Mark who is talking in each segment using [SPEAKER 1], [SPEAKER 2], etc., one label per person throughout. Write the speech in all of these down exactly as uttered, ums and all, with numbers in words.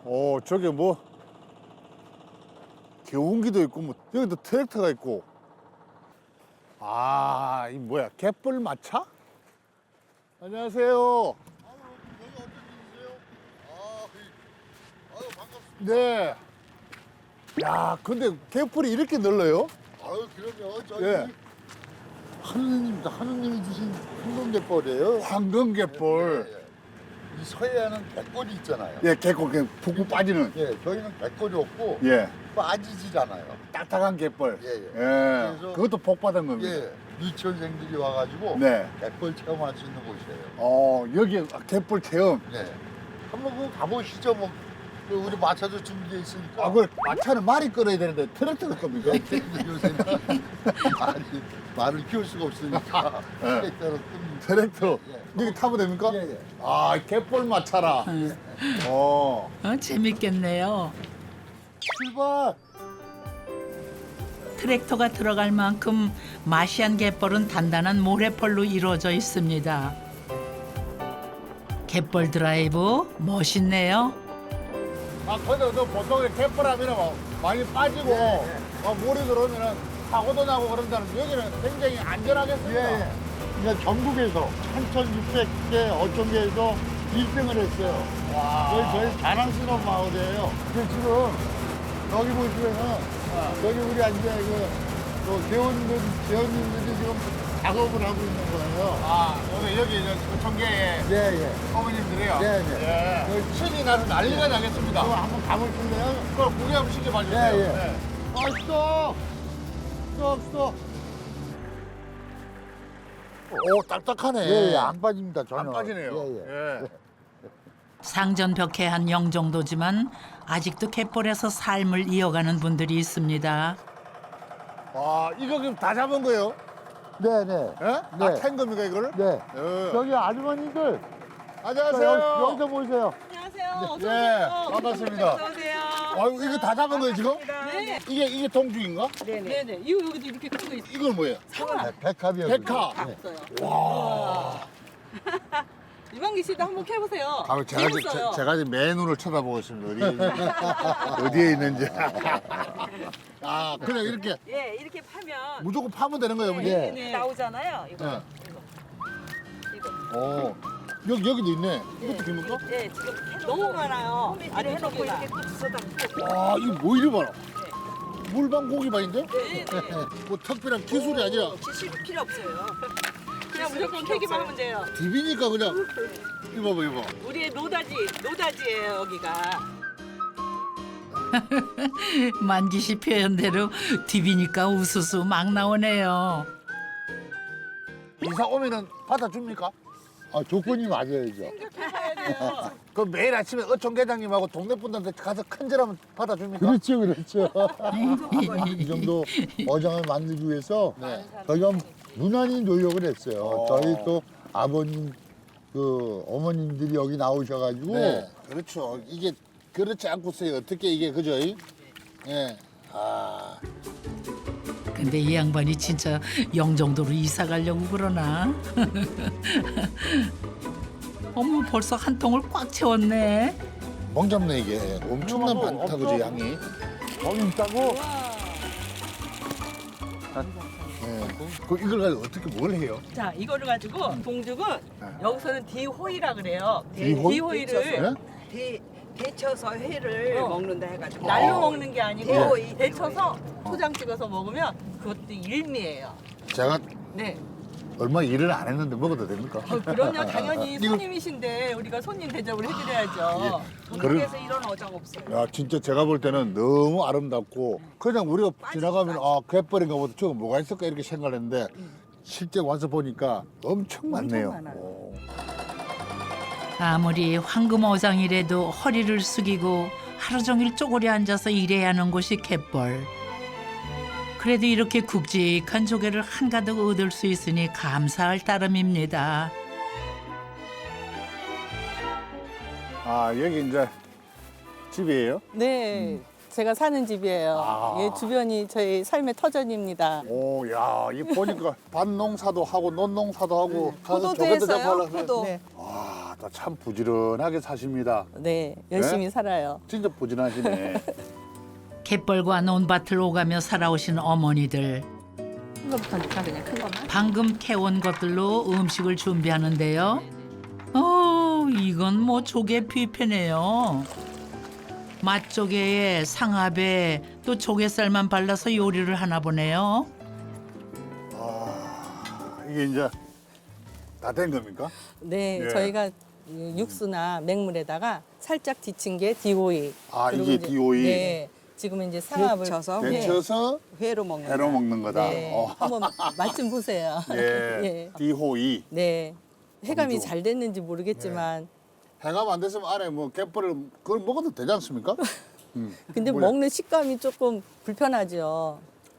[SPEAKER 1] 오, 저게 뭐 개운기도 있고 뭐 여기도 트랙터가 있고. 아, 이 뭐야? 갯벌 마차? 안녕하세요. 네. 야, 근데 갯벌이 이렇게 넓어요?
[SPEAKER 2] 아유, 그럼요. 저희
[SPEAKER 1] 예.
[SPEAKER 2] 하느님, 하느님이 주신 황금갯벌이에요.
[SPEAKER 1] 황금갯벌.
[SPEAKER 2] 예, 예. 이 서해안은 갯벌이 있잖아요.
[SPEAKER 1] 예, 갯벌 그냥 푹푹 빠지는.
[SPEAKER 2] 예, 저희는 갯벌이 없고
[SPEAKER 1] 예.
[SPEAKER 2] 빠지질 않아요.
[SPEAKER 1] 딱딱한 갯벌.
[SPEAKER 2] 예, 예.
[SPEAKER 1] 예.
[SPEAKER 2] 그래서-
[SPEAKER 1] 그것도 복 받은 겁니다.
[SPEAKER 2] 예, 유치원생들이 와가지고
[SPEAKER 1] 네.
[SPEAKER 2] 갯벌 체험할 수 있는 곳이에요.
[SPEAKER 1] 어, 여기 갯벌 체험.
[SPEAKER 2] 예. 한번 그거 가보시죠. 뭐 그 우리 마차도 준비돼 있으니까.
[SPEAKER 1] 아, 그 마차는 말이 끌어야 되는데 트랙터가 겁니까?
[SPEAKER 2] 요새는 말이 말을 키울 수가 없으니까
[SPEAKER 1] 예.
[SPEAKER 2] 트랙터로 뜹니다.
[SPEAKER 1] 트랙터.
[SPEAKER 2] 예.
[SPEAKER 1] 여기 타면 됩니까?
[SPEAKER 2] 예, 예.
[SPEAKER 1] 아, 갯벌 마차라. 어.
[SPEAKER 3] 어, 재밌겠네요.
[SPEAKER 2] 출발.
[SPEAKER 3] 트랙터가 들어갈 만큼 마시안 갯벌은 단단한 모래펄로 이루어져 있습니다. 갯벌 드라이브 멋있네요.
[SPEAKER 1] 아, 근데 그 보통 갯벌 하면은 뭐 많이 빠지고
[SPEAKER 2] 예,
[SPEAKER 1] 어, 물이 들어오면은 사고도 나고 그런다는 여기는 굉장히 안전하겠습니다.
[SPEAKER 2] 예, 예. 그러니까 전국에서 천천육백 개 어촌계에서 일 등을 했어요.
[SPEAKER 1] 와.
[SPEAKER 2] 저희 저희 자랑스러운 마을이에요. 근데 지금 여기 보시면은 여기 우리 이제 그, 그 개원들 개원님들이 지금 작업을 하고 있는 거예요.
[SPEAKER 1] 아, 여기 여기 저 청계의
[SPEAKER 2] 예, 예.
[SPEAKER 1] 어머님들이요.
[SPEAKER 2] 네, 네.
[SPEAKER 1] 예. 신이 나서 난리가 나겠습니다.
[SPEAKER 2] 그거 한번 가보실래요?
[SPEAKER 1] 그걸 구경 한번 시켜봐 주세요.
[SPEAKER 2] 예, 예.
[SPEAKER 1] 네.
[SPEAKER 2] 아, 스톱! 스톱, 스톱!
[SPEAKER 1] 오, 딱딱하네.
[SPEAKER 2] 예, 예, 안 빠집니다, 전혀.
[SPEAKER 1] 안 빠지네요.
[SPEAKER 2] 예, 예.
[SPEAKER 1] 예.
[SPEAKER 3] 상전벽해한 영종도지만 아직도 갯벌에서 삶을 이어가는 분들이 있습니다.
[SPEAKER 1] 와, 이거 그럼 다 잡은 거예요?
[SPEAKER 2] 네, 네.
[SPEAKER 1] 예?
[SPEAKER 2] 네.
[SPEAKER 1] 다 캔 겁니까, 이거를?
[SPEAKER 2] 네.
[SPEAKER 1] 예.
[SPEAKER 2] 여기 아주머니들,
[SPEAKER 1] 안녕하세요.
[SPEAKER 2] 여기, 여기서 보세요.
[SPEAKER 4] 안녕하세요. 어서
[SPEAKER 1] 예,
[SPEAKER 4] 오세요.
[SPEAKER 1] 반갑습니다.
[SPEAKER 4] 어서 오세요.
[SPEAKER 1] 아유, 이거 다 잡은 거예요, 지금?
[SPEAKER 4] 네.
[SPEAKER 1] 이게, 이게 동죽인가?
[SPEAKER 4] 네네. 네네. 이거 여기도 이렇게 큰 거 있어요.
[SPEAKER 1] 이건 뭐예요?
[SPEAKER 2] 네, 백합이요.
[SPEAKER 1] 백합.
[SPEAKER 2] 네.
[SPEAKER 4] 없어요.
[SPEAKER 1] 와.
[SPEAKER 4] 유방기 씨도 한번 캐보세요.
[SPEAKER 1] 아, 제가, 지-
[SPEAKER 4] 재밌어요.
[SPEAKER 1] 제, 제가 지금 맨눈을 쳐다보고 있습니다. 어디에, 어디에 있는지. 아, 그냥 이렇게
[SPEAKER 4] 예, 이렇게 파면
[SPEAKER 1] 무조건 파면 되는 거예요, 어머니?
[SPEAKER 2] 네.
[SPEAKER 4] 네. 나오잖아요. 이거.
[SPEAKER 1] 네.
[SPEAKER 4] 이거.
[SPEAKER 1] 어. 여기, 여기도 있네. 이것도 됩니까?
[SPEAKER 4] 예, 지금 캐 너무 많아요. 아래 해놓고 이렇게 또 주워다.
[SPEAKER 1] 와, 이거 뭐 이리 봐라. 물방 고기반인데?
[SPEAKER 4] 네, 네.
[SPEAKER 1] 뭐 특별한 기술이 아니라
[SPEAKER 4] 지식이 필요 없어요. 그냥 무조건 캐기만 하면 돼요.
[SPEAKER 1] 디비니까 그냥. 이거 봐봐, 이거 봐.
[SPEAKER 4] 우리의 노다지, 노다지예요, 여기가.
[SPEAKER 3] 만기 씨 표현대로 디비니까 우수수 막 나오네요.
[SPEAKER 1] 이사 오면은 받아줍니까?
[SPEAKER 2] 아, 조건이 맞아야죠.
[SPEAKER 4] 생각해봐야 돼요.
[SPEAKER 1] 그 매일 아침에 어촌계장님하고 동네 분들한테 가서 큰절하면 받아줍니까?
[SPEAKER 2] 그렇죠, 그렇죠. 이 정도 어장을 만들기 위해서
[SPEAKER 1] 네.
[SPEAKER 2] 저희가 무난히 노력을 했어요.
[SPEAKER 1] 어.
[SPEAKER 2] 저희 또 아버님, 그 어머님들이 여기 나오셔가지고
[SPEAKER 1] 네. 그렇죠. 이게 그렇지 않고서야 어떻게 이게 그죠? 예. 아.
[SPEAKER 3] 근데 이 양반이 진짜 영종도로 이사 가려고 그러나? 어머 벌써 한 통을 꽉 채웠네.
[SPEAKER 1] 멍 잡네 이게. 엄청난 많다 그죠 양이.
[SPEAKER 2] 거기 있다고.
[SPEAKER 1] 예. 그 이걸 가지고 어떻게 뭘 해요?
[SPEAKER 4] 자, 이거를 가지고 동죽은 여기서는 디호이라 그래요.
[SPEAKER 1] 디호이?
[SPEAKER 4] 디호이를
[SPEAKER 5] 데, 데쳐서 회를
[SPEAKER 4] 어.
[SPEAKER 5] 먹는다 해가지고
[SPEAKER 4] 날로 먹는 게 아니고
[SPEAKER 5] 디호이,
[SPEAKER 4] 데쳐서 초장 찍어서 먹으면 그것도 일미예요.
[SPEAKER 1] 제가
[SPEAKER 4] 네.
[SPEAKER 1] 얼마 일을 안 했는데 먹어도 됩니까?
[SPEAKER 4] 어, 그럼요. 당연히
[SPEAKER 1] 이거-
[SPEAKER 4] 손님이신데 우리가 손님 대접을 해드려야죠.
[SPEAKER 5] 전국에서 이런 어장 없어요.
[SPEAKER 1] 야 진짜 제가 볼 때는 너무 아름답고 그냥 우리가 지나가면 아 갯벌인가 보다 저거 뭐가 있을까 이렇게 생각했는데 실제 와서 보니까 엄청 많네요.
[SPEAKER 5] 많아요.
[SPEAKER 1] 오.
[SPEAKER 3] 아무리 황금어장이라도 허리를 숙이고 하루 종일 쪼그려 앉아서 일해야 하는 곳이 갯벌. 그래도 이렇게 굵직한 조개를 한가득 얻을 수 있으니 감사할 따름입니다.
[SPEAKER 1] 아 여기 이제 집이에요?
[SPEAKER 6] 네, 제가 사는 집이에요.
[SPEAKER 1] 아.
[SPEAKER 6] 예, 주변이 저희 삶의 터전입니다.
[SPEAKER 1] 오, 야, 이 보니까 밭농사도 하고 논농사도 하고 가서
[SPEAKER 5] 포도도
[SPEAKER 1] 조개도
[SPEAKER 5] 했어요,
[SPEAKER 1] 잡아라.
[SPEAKER 5] 포도.
[SPEAKER 6] 네.
[SPEAKER 1] 와, 아, 참 부지런하게 사십니다.
[SPEAKER 6] 네, 열심히 살아요.
[SPEAKER 1] 진짜 부지런하시네.
[SPEAKER 3] 갯벌과 논밭을 오가며 살아오신 어머니들.
[SPEAKER 5] 큰 거부터 넣자 그냥 큰 것만.
[SPEAKER 3] 방금 캐온 것들로 음식을 준비하는데요. 어, 이건 뭐 조개 뷔페네요. 맛조개에 상합에 또 조개살만 발라서 요리를 하나 보네요.
[SPEAKER 1] 아, 이게 이제 다 된 겁니까?
[SPEAKER 6] 네,
[SPEAKER 1] 예.
[SPEAKER 6] 저희가 육수나 맹물에다가 살짝 데친 게 디오이.
[SPEAKER 1] 아,
[SPEAKER 6] 그리고
[SPEAKER 1] 이게
[SPEAKER 6] 이제-
[SPEAKER 1] 디오이.
[SPEAKER 6] 네, 지금 이제 상합을
[SPEAKER 5] 데쳐서
[SPEAKER 6] 네.
[SPEAKER 1] 데쳐서
[SPEAKER 5] 회로 먹는
[SPEAKER 1] 회로 먹는 거다.
[SPEAKER 6] 네,
[SPEAKER 1] 어.
[SPEAKER 6] 한번 맛 좀 보세요.
[SPEAKER 1] 예.
[SPEAKER 6] 예.
[SPEAKER 1] 디호이.
[SPEAKER 6] 네, 해감이
[SPEAKER 1] 너무 좋아.
[SPEAKER 6] 잘 됐는지 모르겠지만,
[SPEAKER 1] 해감 안 됐으면 안에 뭐 갯벌을 그걸 먹어도 되지 않습니까? 음.
[SPEAKER 6] 근데
[SPEAKER 1] 뭐야?
[SPEAKER 6] 먹는 식감이 조금 불편하죠.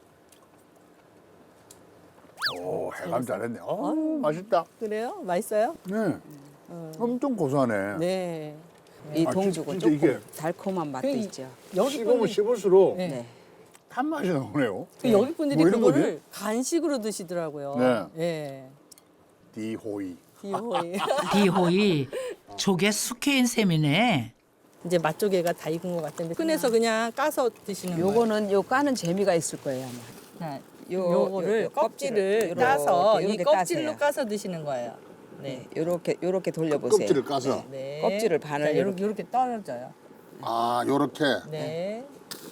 [SPEAKER 1] 오, 해감 잘했네. 어, 맛있다.
[SPEAKER 6] 그래요? 맛있어요?
[SPEAKER 1] 네. 엄청 고소하네.
[SPEAKER 6] 네.
[SPEAKER 5] 이
[SPEAKER 1] 아,
[SPEAKER 5] 동죽은
[SPEAKER 1] 진짜
[SPEAKER 5] 조금
[SPEAKER 1] 이게-
[SPEAKER 5] 달콤한 맛도
[SPEAKER 6] 그 이-
[SPEAKER 5] 있죠.
[SPEAKER 6] 여기
[SPEAKER 1] 씹으면
[SPEAKER 6] 분들,
[SPEAKER 1] 씹을수록
[SPEAKER 6] 네.
[SPEAKER 5] 네.
[SPEAKER 1] 단맛이 나오네요.
[SPEAKER 6] 그 여기 분들이
[SPEAKER 1] 뭐 이런
[SPEAKER 6] 그거를
[SPEAKER 1] 거지?
[SPEAKER 6] 간식으로 드시더라고요.
[SPEAKER 1] 네.
[SPEAKER 6] 예.
[SPEAKER 1] 디호이.
[SPEAKER 6] 디오이.
[SPEAKER 3] 디호이 조개 숙회인 셈이네.
[SPEAKER 6] 이제 맛조개가 다 익은 것 같은데 꺼내서 그냥 까서 드시는 거예요.
[SPEAKER 5] 요거는 요 까는 재미가 있을 거예요 아마.
[SPEAKER 6] 자,
[SPEAKER 5] 요-
[SPEAKER 6] 요거를
[SPEAKER 5] 요- 요
[SPEAKER 6] 껍질을
[SPEAKER 5] 껍질을
[SPEAKER 6] 따서
[SPEAKER 5] 요렇게
[SPEAKER 6] 이 껍질로
[SPEAKER 5] 따세요.
[SPEAKER 6] 까서 드시는 거예요. 네.
[SPEAKER 5] 네, 요렇게 요렇게 돌려보세요.
[SPEAKER 1] 껍질을 까서.
[SPEAKER 6] 네.
[SPEAKER 5] 껍질을 반을
[SPEAKER 6] 자,
[SPEAKER 5] 이렇게.
[SPEAKER 6] 요렇게 요렇게 떨어져요.
[SPEAKER 1] 아, 요렇게.
[SPEAKER 6] 네.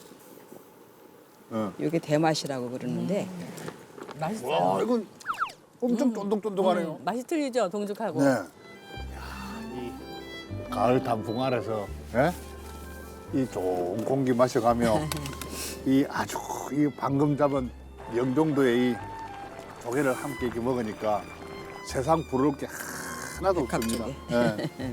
[SPEAKER 1] 어.
[SPEAKER 5] 요게 대맛이라고 그러는데
[SPEAKER 6] 맛있어요.
[SPEAKER 1] 와, 이건 엄청 쫀득쫀득하네요.
[SPEAKER 6] 음, 맛이 틀리죠, 동죽하고.
[SPEAKER 1] 네. 야, 이 가을 단풍 아래서 예? 이 좋은 공기 마셔가며 이 아주 이 방금 잡은 영종도의 이 조개를 함께 이렇게 먹으니까 세상 부러울 게 하나도 없습니다.
[SPEAKER 5] 갑자기.
[SPEAKER 1] 예.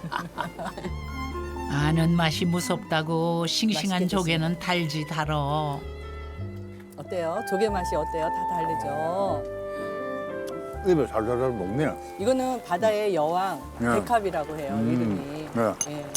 [SPEAKER 3] 아는 맛이 무섭다고 싱싱한
[SPEAKER 6] 맛있게
[SPEAKER 3] 조개는 달지 달어.
[SPEAKER 6] 어때요? 조개 맛이 어때요? 다 다르죠.
[SPEAKER 1] 입에 살살살 녹네요.
[SPEAKER 6] 이거는 바다의 여왕
[SPEAKER 1] 네.
[SPEAKER 6] 백합이라고 해요.
[SPEAKER 1] 음,
[SPEAKER 6] 이름이.
[SPEAKER 1] 네.
[SPEAKER 6] 예.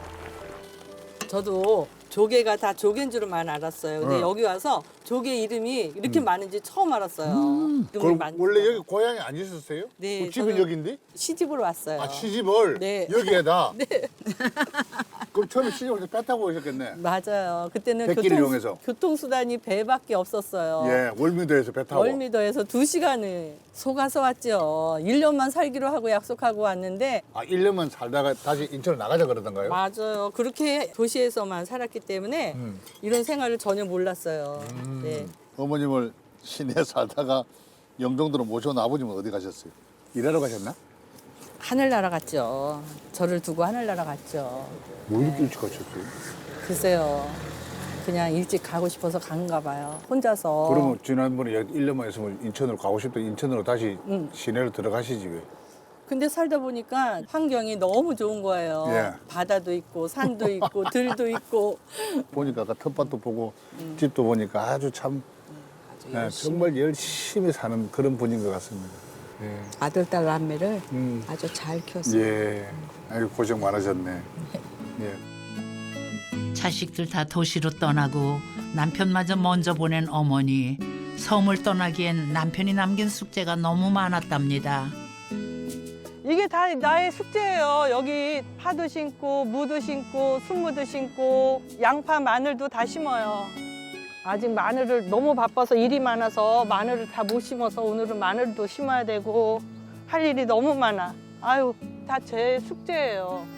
[SPEAKER 6] 저도 조개가 다 조개인 줄만 알았어요. 근데
[SPEAKER 1] 네.
[SPEAKER 6] 여기 와서 조개 이름이 이렇게 많은지 처음 알았어요. 이름이
[SPEAKER 1] 그럼
[SPEAKER 6] 많-
[SPEAKER 1] 원래 여기 고향이 안 있었어요?
[SPEAKER 6] 네,
[SPEAKER 1] 그 집은
[SPEAKER 6] 저는-
[SPEAKER 1] 여기인데?
[SPEAKER 6] 시집으로 왔어요.
[SPEAKER 1] 아, 시집을
[SPEAKER 6] 네.
[SPEAKER 1] 여기에다? 그럼 처음에 시집을 배 타고 오셨겠네.
[SPEAKER 6] 맞아요. 그때는
[SPEAKER 1] 백기를
[SPEAKER 6] 교통,
[SPEAKER 1] 이용해서.
[SPEAKER 6] 교통수단이 배밖에 없었어요.
[SPEAKER 1] 예, 월미도에서 배 타고.
[SPEAKER 6] 월미도에서 두 시간을 속아서 왔죠. 일 년만 살기로 하고 약속하고 왔는데
[SPEAKER 1] 아, 일 년만 살다가 다시 인천을 나가자 그러던가요?
[SPEAKER 6] 맞아요. 그렇게 도시에서만 살았기 때문에
[SPEAKER 1] 음.
[SPEAKER 6] 이런 생활을 전혀 몰랐어요.
[SPEAKER 1] 음.
[SPEAKER 6] 네.
[SPEAKER 1] 어머님을 시내에 살다가 영종도로 모셔온 아버님은 어디 가셨어요? 일하러 가셨나?
[SPEAKER 6] 하늘나라 갔죠. 저를 두고 하늘나라 갔죠.
[SPEAKER 1] 뭐 이렇게 일찍 가셨어요?
[SPEAKER 6] 글쎄요. 그냥 일찍 가고 싶어서 간가 봐요. 혼자서.
[SPEAKER 1] 그러면 지난번에 일 년만 있으면 인천으로 가고 싶다 인천으로 다시
[SPEAKER 6] 음.
[SPEAKER 1] 시내로 들어가시지 왜?
[SPEAKER 6] 근데 살다 보니까 환경이 너무 좋은 거예요.
[SPEAKER 1] 예.
[SPEAKER 6] 바다도 있고 산도 있고 들도 있고.
[SPEAKER 1] 보니까 아까 텃밭도 보고
[SPEAKER 6] 음.
[SPEAKER 1] 집도 보니까 아주 참
[SPEAKER 5] 아주
[SPEAKER 1] 예,
[SPEAKER 5] 열심히
[SPEAKER 1] 정말 열심히 사는 그런 분인 것 같습니다. 예.
[SPEAKER 5] 아들 딸 남매를
[SPEAKER 1] 음.
[SPEAKER 5] 아주 잘 키웠어요.
[SPEAKER 1] 예. 아유 고생 많으셨네. 예.
[SPEAKER 3] 자식들 다 도시로 떠나고 남편마저 먼저 보낸 어머니. 섬을 떠나기엔 남편이 남긴 숙제가 너무 많았답니다.
[SPEAKER 6] 이게 다 나의 숙제예요. 여기 파도 심고 무도 심고 순무도 심고 양파 마늘도 다 심어요. 아직 마늘을 너무 바빠서 일이 많아서 마늘을 다 못 심어서 오늘은 마늘도 심어야 되고 할 일이 너무 많아. 아유, 다 제 숙제예요.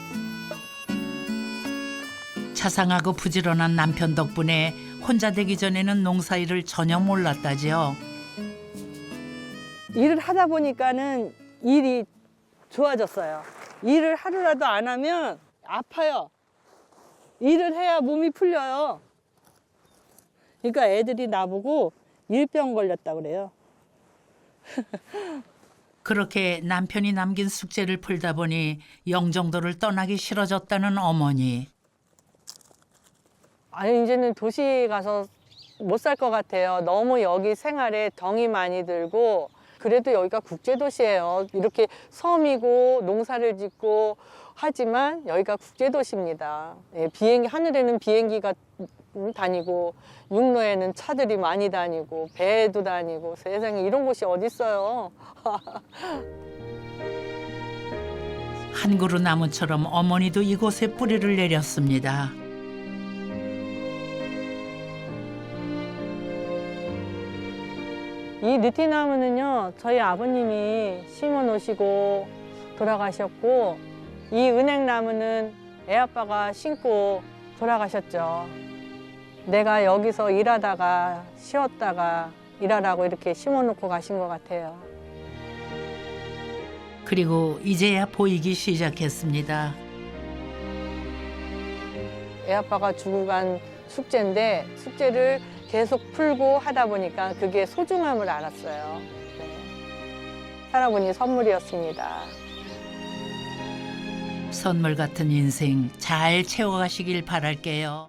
[SPEAKER 3] 자상하고 부지런한 남편 덕분에 혼자 되기 전에는 농사일을 전혀 몰랐다지요.
[SPEAKER 6] 일을 하다 보니까는 일이 좋아졌어요. 일을 하루라도 안 하면 아파요. 일을 해야 몸이 풀려요. 그러니까 애들이 나보고 일병 걸렸다 그래요.
[SPEAKER 3] 그렇게 남편이 남긴 숙제를 풀다 보니 영종도를 떠나기 싫어졌다는 어머니.
[SPEAKER 6] 아니 이제는 도시 가서 못 살 것 같아요. 너무 여기 생활에 덩이 많이 들고 그래도 여기가 국제도시예요. 이렇게 섬이고 농사를 짓고 하지만 여기가 국제도시입니다. 예, 비행기 하늘에는 비행기가 다니고 육로에는 차들이 많이 다니고 배도 다니고 세상에 이런 곳이 어디 있어요.
[SPEAKER 3] 한 그루 나무처럼 어머니도 이곳에 뿌리를 내렸습니다.
[SPEAKER 6] 이 느티나무는요, 저희 아버님이 심어 놓으시고 돌아가셨고, 이 은행나무는 애아빠가 심고 돌아가셨죠. 내가 여기서 일하다가 쉬었다가 일하라고 이렇게 심어 놓고 가신 것 같아요.
[SPEAKER 3] 그리고 이제야 보이기 시작했습니다.
[SPEAKER 6] 애아빠가 주고 간 숙제인데 숙제를 계속 풀고 하다 보니까 그게 소중함을 알았어요. 네. 할아버지 선물이었습니다.
[SPEAKER 3] 선물 같은 인생 잘 채워가시길 바랄게요.